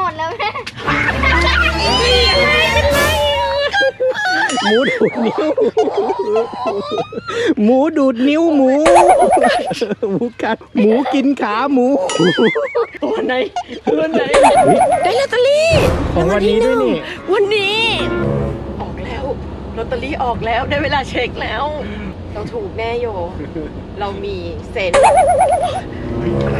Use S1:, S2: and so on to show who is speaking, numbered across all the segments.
S1: ดแล้วแม่
S2: หมูดูดนิ้ว หมูดูดนิ้วหมู หมูกัดหมูกินขาหมู
S3: ตัวไหนได้ลอตเตอรี่
S2: ของวันนี้ด้วยนี่
S3: วันนี้ออกแล้วลอตเตอรี่ออกแล้วได้เวลาเช็คแล้ว เราถูกแน่โย เรามีเซน
S2: อะไร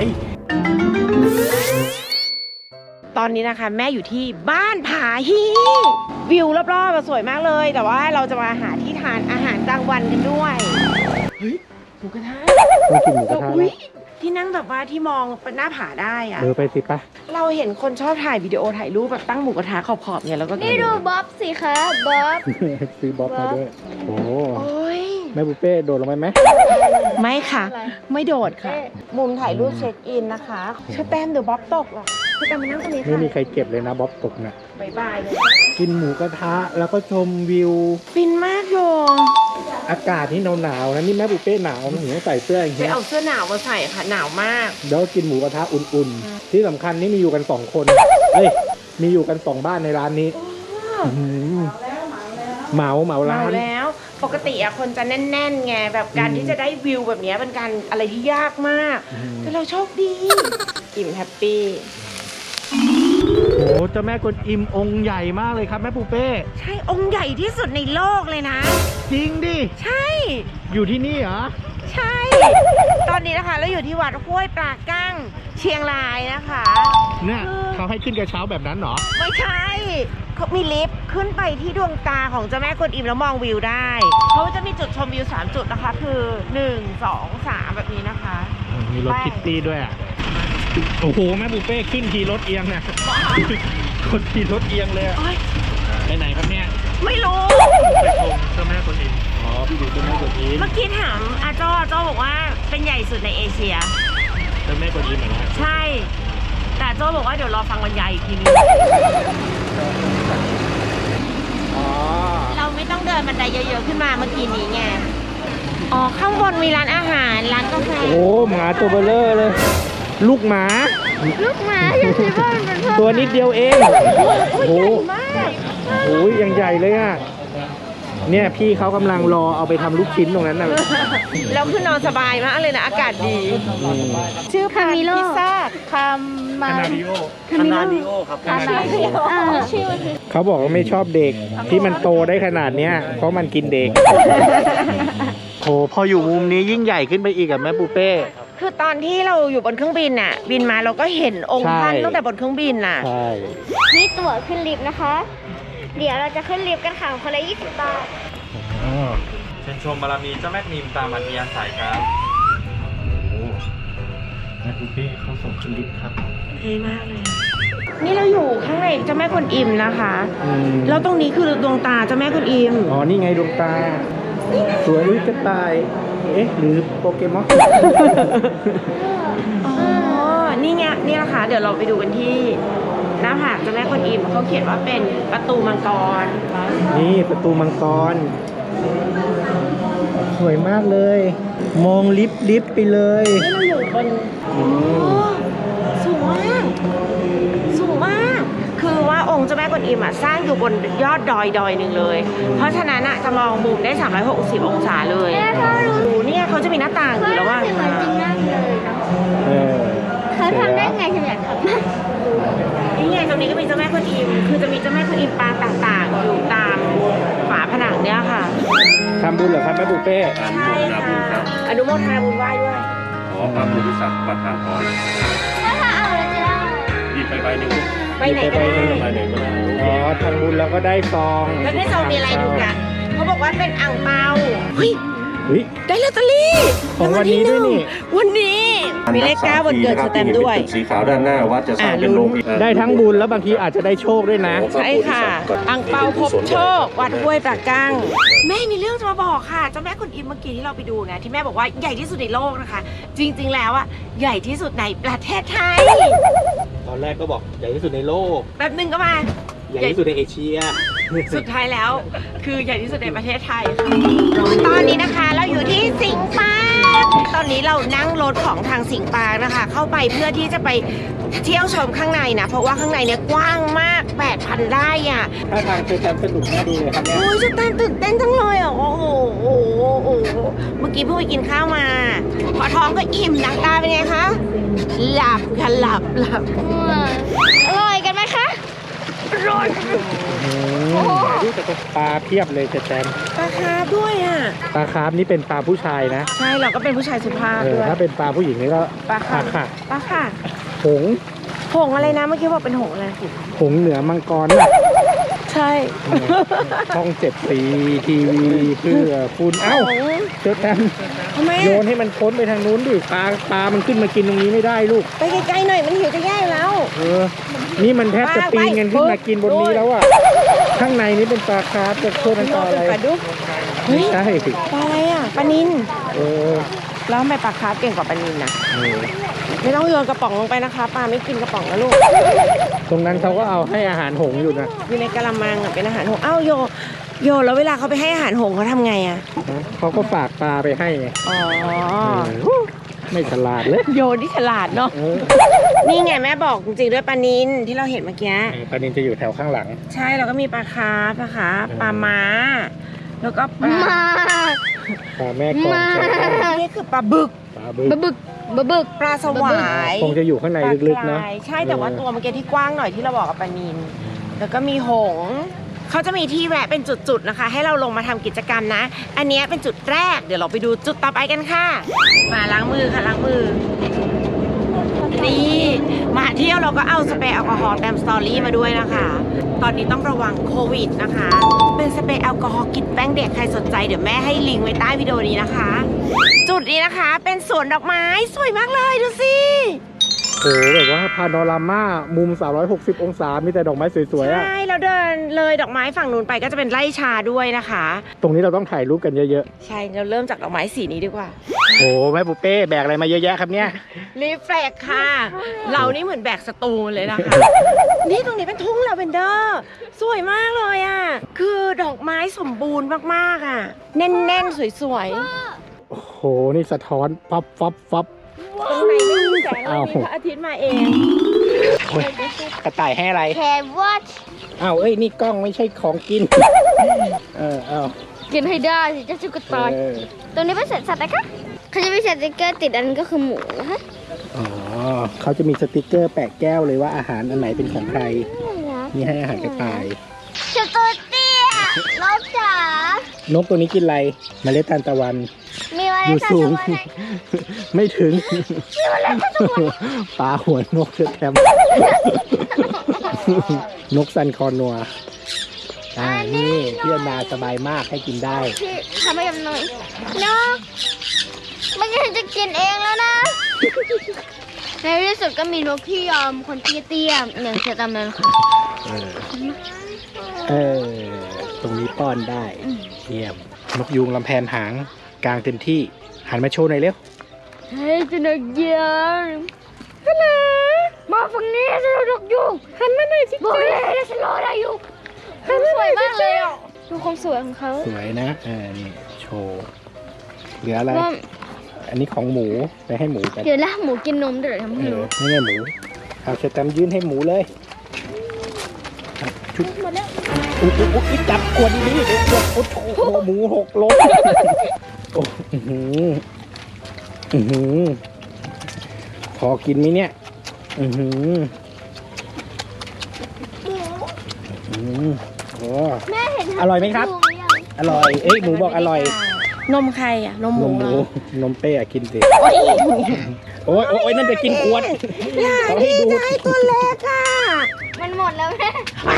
S3: ตอนนี้นะคะแม่อยู่ที่บ้านผาฮีวิวรอบๆสวยมากเลย แต่ว่าเราจะมาหาที่ทานอาหารกลางวันกันด้วยเฮ้ยหมูกระทะ
S2: ต้องกินหมูกระทะ
S3: อุ๊
S2: แล้
S3: ยว ที่นั่งแบบว่าที่มองเป็นหน้าผาได้อะ
S2: ไปสิปะ
S3: เราเห็นคนชอบถ่ายวิดีโอถ่ายรูปแบบตั้งหมูกระทะขอบๆเนี่ยแล้วก็
S1: นี่ดูบ๊อบสิคะบ๊อบ
S2: ซื้อบ๊อบมาด้วย โอ้
S3: โอ้ย
S2: แม่บุฟเป้โดดลงไปไหม
S3: ไม่ค่ะ
S1: อะไร
S3: ไม่โดดค่ะ มุมถ่ายรูปเช็คอินนะคะเชอแตมเดี๋ยวบ๊อบตกหรอเชอแตมมานั่งตรงนี้
S2: ไม่
S3: ค่ะ
S2: มีใครเก็บเลยนะบ๊อบตกน่ะ
S3: บายบายเลย
S2: กินหมูกระทะแล้วก็ชมวิว
S3: ฟินมากโย
S2: อากาศนี่หนาวๆนะนี่แม่บุฟเป้หนาวนะหนูต้องใส่เสื้ออย่าง
S3: ไป
S2: เงี้ย
S3: เอาเสื้อหนาวมาใส่ค่ะหนาวมาก
S2: แล้วกินหมูกระทะอุ่นๆ ที่สำคัญนี่มีอยู่กัน2คนเอ้ยมีอยู่กัน2บ้านในร้านนี้อื้อหือเหมาร้า
S3: เมาน แล้วปกติอะคนจะแน่นๆไงแบบการที่จะได้วิวแบบเนี้ยเป็นการอะไรที่ยากมาก แต่เราโชคดี อิ่มแฮปปี้
S2: โอ้เจ้าแม่กวนอิมองค์ใหญ่มากเลยครับแม่ปูเป้
S3: ใช่องค์ใหญ่ที่สุดในโลกเลยนะ
S2: จริงดิ
S3: ใช่
S2: อยู่ที่นี่เหรอ
S3: ใช่ ตอนนี้นะคะเราอยู่ที่วัดห้วยปลากั้งเชียงรายนะคะ
S2: เนี่ยเขาให้ขึ้นกระเช้าแบบนั้นเหรอ
S3: ไม่ใช่เขามีลิฟต์ขึ้นไปที่ดวงตาของเจ้าแม่กวนอิมแล้วมองวิวได้เขาจะมีจุดชมวิว3จุดนะคะ คือ 1 2 3 แบบนี้นะคะ
S2: มีรถคิตตี้ด้วยอ่ะ โอ้โหแม่ปูเป้ขึ้นทีรถเอียงเนี่ยคนทีรถเอียงเลยอะ
S3: โอ๊ย
S2: ไปไหนครับเนี่ย
S3: ไม่รู้
S2: ไปชมเจ้าแม่กวนอิมอ๋อไปดูเจ้าแม่กวนอิม
S3: เมื่อกี้ถามอาจ้อบอกว่าเป็นใหญ่สุดในเอเชีย
S2: เจ้าแม่กวนอิมเหรอ
S3: ใช่ แต่โจ้บอกว่าเดี๋ยวรอฟังบรรยายอีกทีนึง
S2: อ๋อ
S3: เราไม่ต้องเดินบันไดเยอะๆขึ้นมาเมื่อกี้นี้ไง อ๋อ ข้างบนมีร้านอาหาร ร้านกาแฟ
S2: โอ้หมาตัวเบลเลอร์เลย ลูกหมา
S1: ลูกหมาฉันคิดว่ามันเป็นเพื่อน
S2: ตัวนิดเดียวเอง โอ้โห
S3: มาก
S2: โอ้ยยังใหญ่เลยอ่ะ เนี่ยพี่เขากำลังรอเอาไปทำลูกชิ้นตรงนั้นน่ะ
S3: แล้วคือนอนสบายมากเลยนะ อากาศดี
S2: อืม
S3: ชื่อ
S1: คามิโล
S3: พิซซ่า
S1: คามา
S2: คานาดิโอครับ
S1: ชื่อมันคือ
S2: เขาบอกว่าไม่ชอบเด็กที่มันโตได้ขนาดเนี้ยเพราะมันกินเด็ก โหพออยู่มุมนี้ยิ่งใหญ่ขึ้นไปอีกอะแม่ปูเป้
S3: คือตอนที่เราอยู่บนเครื่องบินน่ะ บินมาเราก็เห็นองค์ท่าน
S2: ใช่
S3: ตั้งแต่บนเครื่องบินน่ะ
S2: ใช่
S1: นี่ตั๋วขึ้นลิฟต์นะคะ เดี๋ยวเราจะขึ้นลิฟต์กันค่ะคนละ20 บาท
S4: เชิญชมบารมีเจ้าแม่นิมตามอัธยาศัยครับ
S2: แม่ปูเป้เขาส่งขึ้นลิฟต์ครับ
S3: เท่มากเลย นี่เราอยู่ข้างในเจ้าแม่กวนอิมนะคะ
S2: อืม
S3: แล้วตรงนี้คือดวงตาเจ้าแม่กวนอิม
S2: อ๋อนี่ไงดวงตา สวยอุ้ยกระต่าย เอ๊ะหรือโปเกมอน
S3: อ๋อ นี่ไงนี่นะคะ เดี๋ยวเราไปดูกันที่หน้าผากเจ้าแม่กวนอิมเขาเขียนว่าเป็นประตูมังกร
S2: นี่ประตูมังกร สวยมากเลย มองลิฟต์ไปเลย
S3: นี่เราอยู่บน
S2: อืม
S3: สูงมาก สูงมาก คือว่าองค์เจ้าแม่กวนอิมสร้างอยู่บนยอดดอยหนึ่งเลย เพราะฉะนั้นจะมองมุมได้360องศาเลย
S1: แม่ถ้ารู้
S3: โอ้เนี่ยเขาจะมีหน้าต่างอยู่แล้วว่า
S1: เหมือนจริงมากเลยเนาะ
S2: เออ
S1: เขาทำได้ไงฉันอยากทำ
S3: นี่ไงตรงนี้ก็มีเจ้าแม่กวนอิม คือจะมีเจ้าแม่กวนอิมปางต่างๆ อยู่ตามฝาผนังเนี่ยค่ะ
S2: ทำบุญเหรอครับแม่ปูเป้
S3: ใช่ค่ะ อนุโมทนาบุญไหว้ด้วย
S4: ขอพระบริษัทประทานพร
S1: แล้วถ้าเอาแล้วจะได้
S4: หยิบไปใบหนึ่ง
S3: ไปไหนก็ได้
S4: ใบไหนก็ได้
S2: อ๋อทำบุญแล้วก็ได้ซอง
S3: แล้วในซองมีอะไรดูกันเขาบอกว่าเป็นอ่างเปาเฮ้ย
S2: เฮ้ย
S3: ได้ลอตเตอรี่
S2: ของวันนี้ด้วยนี่
S3: วันนี้ มีเลข9วันเกิดสแตมป์ด้วย
S4: ตึกสีขาวด้านหน้าวัดจะสร้างเป็นโรงพยาบาล
S2: ได้ทั้งบุญแล้วบางทีอาจจะได้โชคด้วยนะ
S3: ใช่ค่ะอ่างเปาพบโชค วัดห้วยปลากั้งแม่มีเรื่องจะมาบอกค่ะ เจ้าแม่คุณอิมเมื่อกี้ที่เราไปดูไงที่แม่บอกว่าใหญ่ที่สุดในโลกนะคะ จริงๆแล้วใหญ่ที่สุดในประเทศไทย
S2: ตอนแรกก็บอกใหญ่ที่สุดในโลก
S3: แป๊บนึงก็มา
S2: ใหญ่ที่สุดในเอเชีย
S3: สุดท้ายแล้วคือใหญ่ที่สุดในประเทศไทยค่ะตอนนี้นะคะเราอยู่ที่สิงห์ปาร์ตอนนี้เรานั่งรถของทางสิงห์ปาร์คนะคะ เข้าไปเพื่อที่จะไปเที่ยวชมข้างในนะ เพราะว่าข้างในเนี่ยกว้างมาก 8,000 ไร่อ่ะ
S2: ถ้าทางเจอแตมสนุกน่าดูเลยครับเนี่ย
S3: โอ้ยจะตื่นเต้นจังเลยอ่ะโอ้โหเมื่อกี้เพิ่งไปกินข้าวมา พอท้องก็อิ่มหนังตาเป็นไงคะ หลับค่ะหลับ
S1: อร่อยกันไหมคะอร่อย
S2: ดูแต่ปลาเพียบเลยเจอแตม
S3: ปลาคาร์ฟด้วยอ่ะ
S2: ปลาคาร์ฟนี่เป็นปลาผู้ชายนะ
S3: ใช่เราก็เป็นผู้ชายสุภาพด้วย
S2: ถ้าเป็นปลาผู้หญิงนี่ก็
S3: ปลาค่ะ
S2: ค่ะ
S3: ปลาค่ะ
S2: หงส์
S3: หงอะไรนะเมื่อกี้บอกเป็นหงอะไร
S2: หงส์เหนือมังกรน่ะ
S3: ใช่
S2: ช่อง7 สีทีวีเพื่อคุณเอ้าเจอแตม
S3: ทำไม
S2: โย
S3: อะ
S2: นให้มันพ้นไปทางนู้นดิปลามันขึ้นมากินตรงนี้ไม่ได้ลูก
S3: ไปไกลๆหน่อยมันหิวจะแย่อยู่แล้ว
S2: นี่มันแทบจะปีนกันขึ้นมากินบนนี้แล้วอ่ะ ข้างในนี้เป็นปลาคาร์ฟจะโทษมันปลาอะไร
S3: ปลาดุกเฮ้ย
S2: ใช่
S3: ปลาอะไรอ่ะปลานิล
S2: เออ
S3: แล้วทำไมปลาคาร์ฟเก่งกว่าปลานิลนะไม่ต้องโยนกระป๋องลงไปนะคะปลาไม่กินกระป๋องนะลูก
S2: ตรงนั้นเขาก็เอาให้อาหารหงส์อยู่นะ
S3: อยู่ในกะละมังอ่ะเป็นอาหารหงส์อ้าวโยแล้วเวลาเขาไปให้อาหารหงส์เขาทำไงอ่ะ
S2: เขาก็ฝากปลาไปให้ไง
S3: อ๋อ
S2: ไม่ฉลาดเลย
S3: โยนี่ฉลาดเนาะ นี่ไงแม่บอกจริงๆด้วยปลานิลที่เราเห็นเมื่อกี้
S2: ปลานินจะอยู่แถวข้างหลัง
S3: ใช่แล้วก็มีปลาคาร์ฟนะคะปลาม้า แล้วก็ปลา
S1: มา
S2: ปลาแม่กองแก้ว
S3: นี่คือปลาบึก
S2: ปลาบึก
S1: บะบึกบะบึก
S3: ปลาสวาย
S2: คงจะอยู่ข้างในลึกๆนะ
S3: ปลากรายใช่แต่ว่าตัวเมื่อกี้ที่กว้างหน่อยที่เราบอกกับปลานิลแล้วก็มีหงส์เขาจะมีที่แวะเป็นจุดๆนะคะ ให้เราลงมาทำกิจกรรมนะ อันนี้เป็นจุดแรกเดี๋ยวเราไปดูจุดต่อไปกันค่ะ มาล้างมือค่ะล้างมือนี่มาเที่ยวเราก็เอาสเปรย์แอลกอฮอล์แตมสตอรี่มาด้วยนะคะ ตอนนี้ต้องระวังโควิดนะคะ เป็นสเปรย์แอลกอฮอล์กลิ่นแป้งเด็กใครสนใจเดี๋ยวแม่ให้ลิงก์ไว้ใต้วิดีโอนี้นะคะ จุดนี้นะคะเป็นสวนดอกไม้สวยมากเลยดูสิ
S2: โอ้โหแบบว่าพาโนรามามุม 360 องศา มีแต่ดอกไม้สวยๆอ่ะ
S3: ใช่เราเดินเลยดอกไม้ฝั่งนู้นไปก็จะเป็นไร่ชาด้วยนะคะ
S2: ตรงนี้เราต้องถ่ายรูปกันเยอะ
S3: ใช่เราเริ่มจากดอกไม้สีนี้ดีกว่า
S2: ๆ โอ้แม่ปุเป้แบกอะไรมาเยอะแยะครับเนี่ย
S3: รีเฟล็กค่ะ เรานี่เหมือนแบกสตูนเลยนะคะ นี่ตรงนี้เป็นทุ่งลาเวนเดอร์สวยมากเลยอ่ะคือดอกไม้สมบูรณ์มากๆอ่ะแน่นๆสวย
S2: โอ้โห นี่สะท้อนฟับฟับฟับ
S3: ๆตรงไหนไม่มีแสงเลยมีพระอาทิตย์มาเอง
S2: โอ้ยกระต่ายให้อะไร
S1: แครวัต
S2: อ้าวเอ้ย นี่กล้องไม่ใช่ของกิน เอา
S1: กินให้ได้สิเจ้าจุกตาย
S2: เออ
S1: ตรงนี้เป็นสัตว์นะคะเขาจะมีสติ๊กเกอร์ติดอันก็คือหมูนะคะ
S2: อ๋อเขาจะมีสติกเกอร์แปะแก้วเลยว่าอาหารอันไหนเป็นของใคร นี่ให้อาหารกระต่าย
S1: เจ้าตัวเตี้ยนกจ๋าน
S2: กตัวนี้กินอะไร เมล็ดทานตะวัน
S1: มีอะไร
S2: อยู่
S1: สัก
S2: สู
S1: ตั
S2: ง
S1: วไหน
S2: ไม่ถึง ปลาหัวนกเชือแคม นกซันคอนัว นี่พี่อนนาสบายมากให้กินได้
S1: พี่ทำให้ยำหน่อยนกไม่งั้นจะกินเองแล้วนะ ในที่สุดก็มีนกที่ยอมคนเตี้ยๆอย่างเชตามนั้นค่ะ
S2: ตรงนี้ป้อนได้ เยี่ยม นกยูงลำแพนหางกลางเต็มที่ หันมาโชว์หน่อยเร็ว
S1: เฮ้ยจะนกยูงฮัลโหลมาฝั่งนี้จะนกยูงหันมาหน่อยสิบอกเลยนะฉันรอได้อยู่สวยมากเลยอ่ะดูความสวยของเขา
S2: สวยนะนี่โชว์เหลืออะไร
S1: ว่า
S2: อันนี้ของหมูไปให้หมูกัน
S1: เดี๋ยวละหมูกินนมเดี๋ยวทำให้รู้
S2: นี่ไงหมู เอาเชตแตมยื่นให้หมูเลยชุด
S1: หมดแล้ว
S2: อุ๊ยจับกวนดีๆเดี๋ยวกวนโอ้โหหมูหกล้มโอ้พอกินไหมเนี่ยโอ้
S1: แม่เห็น
S2: อร่อยไหมครับ อร่อย เอ้ยหมูบอกอร่อย
S3: นมใครอ่ะนมห
S2: น
S3: มู
S2: มห
S3: เหร
S2: มู
S3: อน
S2: มเป้อะกินสิ
S3: โอ้ย
S2: โอ้ยนั่นจะกินขวด
S3: อย่า
S2: เขาให้
S3: ดี
S2: ดู
S3: ใจตัวเล็กอ่ะ
S1: มันหมดแล้วแม่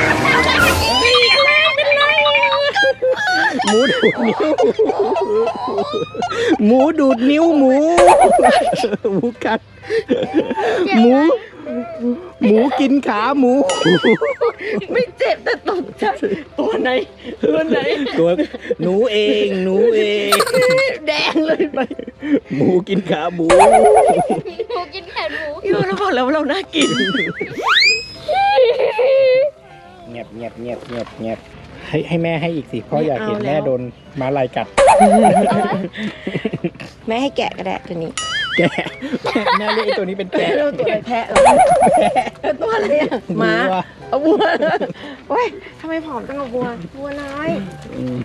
S2: หมูดูดนิ้ว หมูดูดนิ้วหมู หมูกัด หมูกินขาหมู
S3: ไม่เจ็บแต่ตกใจตัวไหน
S2: ตัวหนูเอง
S3: แดงเลยไป
S2: หมูกินขาหมู
S1: หมูกินแขนหมู
S3: อยู่เราบอกแล้วว่าเราน่ากิน
S2: เงียบให้แม่ให้อีกสิพ่ออยากเห็น
S3: ไม่เอาแล้ว
S2: แม่โดนม้าลายกัด
S3: แม่ให้แกะก็ได้ตัวนี้
S2: แกะแม่เรียกไอ้ตัวนี้เป็นแกะ
S3: เราตัวอะไรแพะเหรอตัวอะไรอะม้า
S2: วัว
S3: เอาวัวโอ้ยทำไมผอมจังกับวัวน้อย
S2: อืม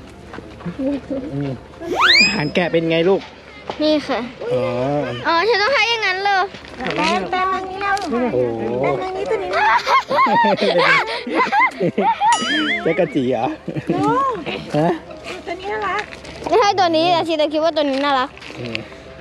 S2: อาหารแกะเป็นไงลูก
S1: นี่ค่ะ
S2: อ๋อ
S1: อ๋อฉันต้องให้อย่างนั้นเลย
S3: แต้มทางนี้แล้ว
S2: โอ้
S3: แต้มทางนี้ตัวนี้นะ
S2: เจ๊กะจีเหรอ
S3: โอ้
S2: ฮะ
S3: ตัวนี้น่ารัก
S1: จะให้ตัวนี้แต่ชีตคิดว่าตัวนี้น่ารัก
S2: อืม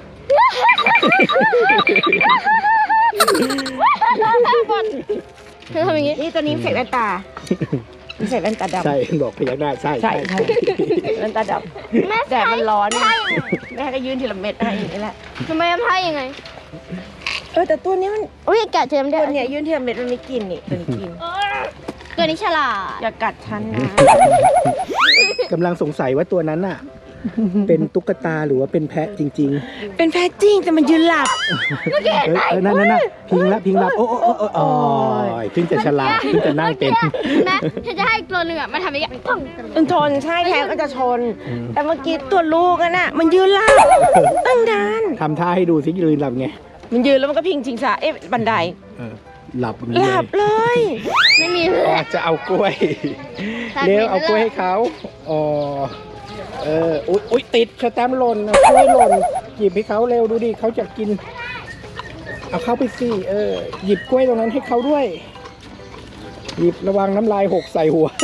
S1: เธอทำอย่างนี้
S3: นี่ตัวนี้ใส่แว่นตาใส่แว่นตาดำ
S2: ใช่บอกพยักหน้าใช่
S3: ใช่แว่นตาด
S1: แม่
S3: ำแดดมันร้อน
S1: ใช่
S3: แม่ก็ยืนทีละเม็ดให้อย่างนี้แหละ
S1: ทำไมทำให้ยังไง
S3: แต่ตัวนี้มัน
S1: อุ้ยแกะเจมได้
S3: ตัวเนี้ยยืนทีละเม็ดมันไม่กินนี่ตัวนี้กิน
S1: ตัวนี้ฉลาด
S3: อย่ากัดฉันนะ
S2: กำลังสงสัยว่าตัวนั้นน่ะ เป็นตุ๊กตาหรือว่าเป็นแพะจริง
S3: เป็นแพะจริงแต่มันยืนหลับ
S2: ๆนั่นพิงละโอ้โอ้ยเพิ่งจะฉลาดเพิ่งจะนั่งเป็น
S1: นะฉันจะให้อีกตัวหนึ่งอ่ะมาทำอย่างนี้ปัง
S3: มันชนใช่แพะก็จะชน แต่เมื่อกี้ตัวลูกน่ะมันยืนหลับตั้งนาน
S2: ทำท่าให้ดูสิยืนหลับไง
S3: มันยืนแล้วมันก็พิงชิงช้าบันได
S2: หลับอย่าง
S3: ห
S2: นี้
S3: ลับเลย
S1: ไม่มี
S2: อ๋อจะเอากล้วย เร็วเอากล้วยให้เขาอ๋ออุ๊ยติดสแตมป์หล่นเอากล้วยหล่นหยิบให้เขาเร็วดูดิเขาจะกิน เอาเข้าไปสิหยิบกล้วยตรงนั้นให้เขาด้วย หยิบระวังน้ำลายหกใส่หัว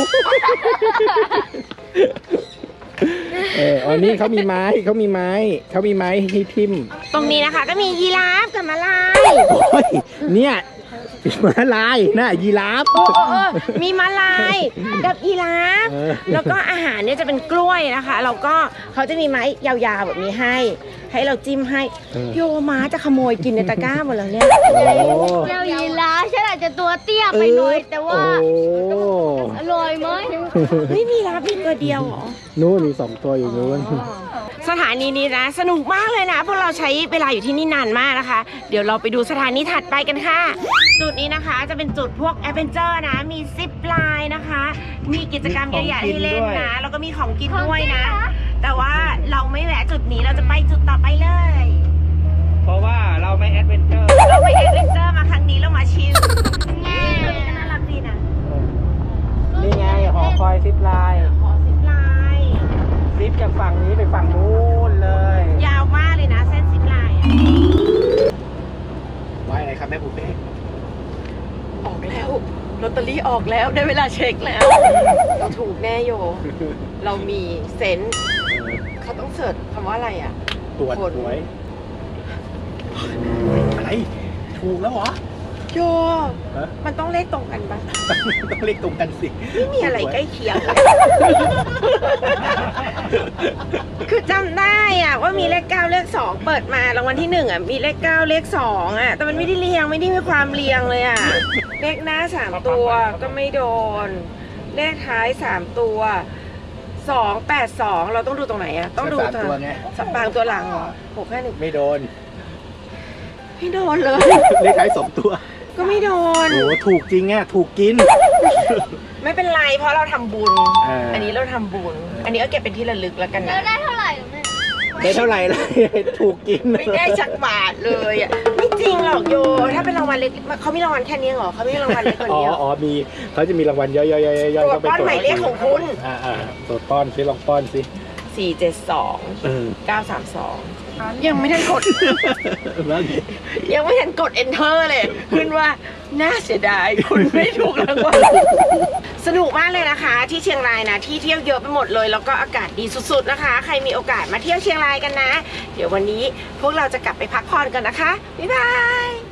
S2: อ๋อนี่เขามีไม้ให้ทิ่ม
S3: ตรงนี้นะคะก็มียีราฟกับม้าลาย
S2: โอ้ยเนี่ยม้าลายน่ะยีราฟ
S3: มีม้าลายกับยีราฟ แล้วก็อาหารเนี่ยจะเป็นกล้วยนะคะแล้วก็เขาจะมีไม้ยาวๆแบบนี้ให้เราจิ้มให้โยม้าจะขโมยกินในตะกร้าหมดแล้วเนี่ย
S1: เจ้ายีราฟฉันอาจจะตัวเตี้ยไปหน่อยแต่ว่า
S2: โอ้
S1: อร่อยไหม
S3: ไม่มีรับมีตัวเดียวเหรอ
S2: นู้นมี2 ตัวอยู่นู้น
S3: สถานีนี้นะสนุกมากเลยนะพวกเราใช้เวลาอยู่ที่นี่นานมากนะคะ เดี๋ยวเราไปดูสถานีถัดไปกันค่ะ จุดนี้นะคะจะเป็นจุดพวกแอดเวนเจอร์นะมีซิปไลน์นะคะ มีกิจกรรมเยอะแยะให้เล่นนะแล้วก็มีของกินด้วยนะ แต่ว่าเราไม่แวะจุดนี้เราจะไปจุดต่อไปเลย
S2: เพราะว่าเราไม่แอดเวนเจอร์
S3: เราไปแอดเวนเจอร์มาครั้งนี้เรามาชิลตัวนี้ก็น่ารักดีนะ
S2: นี่ไงหอคอยซิปไลน์
S3: ขอซิปไลน์
S2: ซิปจากฝั่งนี้ไปฝั่งนู้นเลย
S3: ยาวมากเลยนะเส้นซิปไลน์อะ
S2: ไว้อะไรครับแม่ปุ๊เป้
S3: ออกแล้วลอตเตอรี่ออกแล้วได้เวลาเช็คแล้ว เราถูกแน่โย เรามีเซนส์เขาต้องเสิร์ชคำว่าอะไรอ่ะ
S2: ตรวจ
S3: ผล
S2: หวยอะไรถูกแล้วเหรอ
S3: โย
S2: ฮะ
S3: มันต้องเลขตรงกันปะ
S2: ต้องเลขตรงกันสิ
S3: ไม่มีอะไรใกล้เคียง คือจำได้อ่ะว่ามีเลข9เลข2เปิดมารางวัลที่1อ่ะมีเลข9เลข2อ่ะแต่มันไม่ได้เรียงไม่ได้มีความเรียงเลยอ่ะเลขหน้า3ตัวก็ไม่โดน เลขท้าย3ตัว282เราต้องดูตรงไหนอ่ะต้องดู
S2: สามตัวไง
S3: บางตัวหลังเหรอ651
S2: ไม่โดน
S3: ไม่โดนเลย
S2: เลขท้าย2 ตัว
S3: ก็ไม่โดน
S2: โอ้ถูกจริงอ่ะถูกกิน
S3: ไม่เป็นไรเพราะเราทำบุญ
S2: อั
S3: นนี้เราทำบุญ อันนี้ก็เก็บเป็นที่ระลึกแล้วกัน
S1: แล้ว
S3: นะ
S1: ได้เท่าไหร่หรือไม่
S2: ได้เท่าไหร่เลยถูกกิน
S3: ไม่ได้จักบาทเลยอ่ะไม่จริงหรอกโย ถ้าเป็นรางวัลเล็กเขามีรางวัลแค่นี้เหรอเขาไม่มีรางวัลเล็กกว่านี้เหรอ
S2: มีเขาจะมีรางวัลย่อยๆๆๆ
S3: ตรวจป้อนหมายเลขของคุณ
S2: ตรวจป้อนสิลองป้อนสิ
S3: 472 932ยังไม่ทันกด
S2: แล้ว
S3: ยังไม่ทันกด enter เลยขึ้นว่าน่าเสียดายคุณไม่ถูกรางวัลสนุกมากเลยนะคะ ที่เชียงรายนะที่เที่ยวเยอะไปหมดเลยแล้วก็อากาศดีสุดๆนะคะ ใครมีโอกาสมาเที่ยวเชียงรายกันนะ เดี๋ยววันนี้พวกเราจะกลับไปพักผ่อนกันนะคะบ๊ายบาย